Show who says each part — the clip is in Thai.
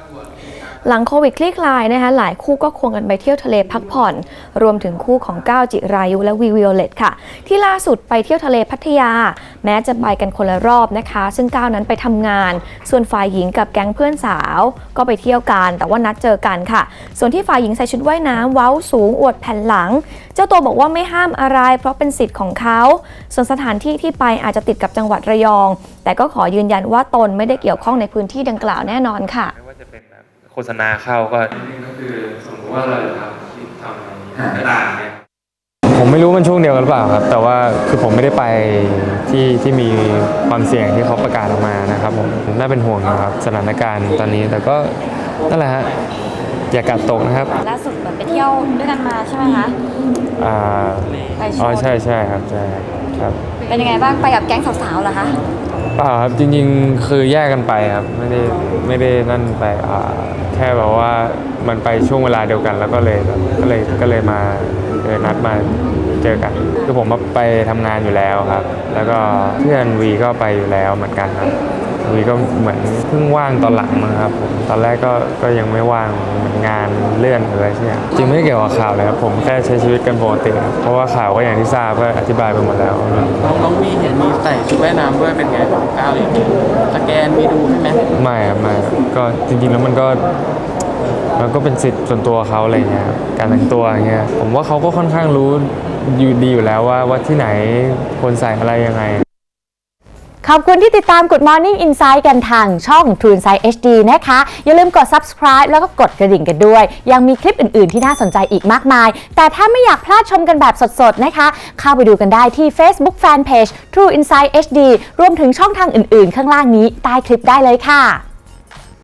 Speaker 1: หลังโควิดคลี่คลายนะคะหลายคู่ก็ควงกันไปเที่ยวทะเลพักผ่อนรวมถึงคู่ของก้าวจิรายุและวีวิโอเลตค่ะที่ล่าสุดไปเที่ยวทะเลพัทยาแม้จะไปกันคนละรอบนะคะซึ่งก้าวนั้นไปทำงานส่วนฝ่ายหญิงกับแก๊งเพื่อนสาวก็ไปเที่ยวกันแต่ว่านัดเจอกันค่ะส่วนที่ฝ่ายหญิงใส่ชุดว่ายน้ำเว้าสูงอวดแผ่นหลังเจ้าตัวบอกว่าไม่ห้ามอะไรเพราะเป็นสิทธิ์ของเขาส่วนสถานที่ที่ไปอาจจะติดกับจังหวัดระยองแต่ก็ขอยืนยันว่าตนไม่ได้เกี่ยวข้องในพื้นที่ดังกล่าวแน่นอนค่ะ
Speaker 2: โฆษณาเข้าก็คือสมมติว่าเราทำกระดาษเนี่ยผมไม่รู้มันช่วงเดียวกันหรือเปล่าครับแต่ว่าคือผมไม่ได้ไปที่มีความเสี่ยงที่เขาประกาศออกมานะครับผมน่าเป็นห่วงนะครับสถานการณ์ตอนนี้แต่ก็นั่นแหละฮะอย่ากาดตกนะครับ
Speaker 3: ล่าสุดเหมือนไปเที่ยวด้วยกันมาใช่ไหมคะ
Speaker 2: ใช่ครับใช่ครับ
Speaker 3: เป็นยังไงบ้างไปกับแก๊งสาวๆเหรอคะ
Speaker 2: ครับจริงๆคือแยกกันไปครับไม่ได้นั่นไปแค่แบบว่ามันไปช่วงเวลาเดียวกันแล้วก็เลยมานัดมาเจอกันคือผมไปทำงานอยู่แล้วครับแล้วก็เพื่อนวีก็ไปอยู่แล้วเหมือนกันครับวีก็เหมือนเพิ่งว่างตอนหลังนะครับผมตอนแรกก็ยังไม่ว่างเหมือนงานเลื่อนอะไรใช่ไหมจริงไม่เกี่ยวกับข่าวเลยครับผมแค่ใช้ชีวิตกันปกติเพราะว่าข่าวก็อย่างที่ทราบก็อธิบายไปหมดแล้ว
Speaker 4: น้องวีเห็นมีใส่ชุดว่ายน้ำด้วยเป็นไงของก้าวอย่างนี้สแกนมีดูใช่ไหม
Speaker 2: ไม่ครับไม่ก็จริงๆแล้วมันก็เป็นสิทธิ์ส่วนตัวเขาอะไรเงี้ยการแต่งตัวอย่างเงี้ยผมว่าเขาก็ค่อนข้างรู้ดีอยู่แล้วว่าที่ไหนควรใส่อะไรยังไง
Speaker 5: ขอบคุณที่ติดตาม Good Morning Insight กันทางช่อง True Insight HD นะคะอย่าลืมกด Subscribe แล้วก็กดกระดิ่งกันด้วยยังมีคลิปอื่นๆที่น่าสนใจอีกมากมายแต่ถ้าไม่อยากพลาดชมกันแบบสดๆนะคะเข้าไปดูกันได้ที่ Facebook Fanpage True Insight HD รวมถึงช่องทางอื่นๆข้างล่างนี้ใต้คลิปได้เลยค่ะ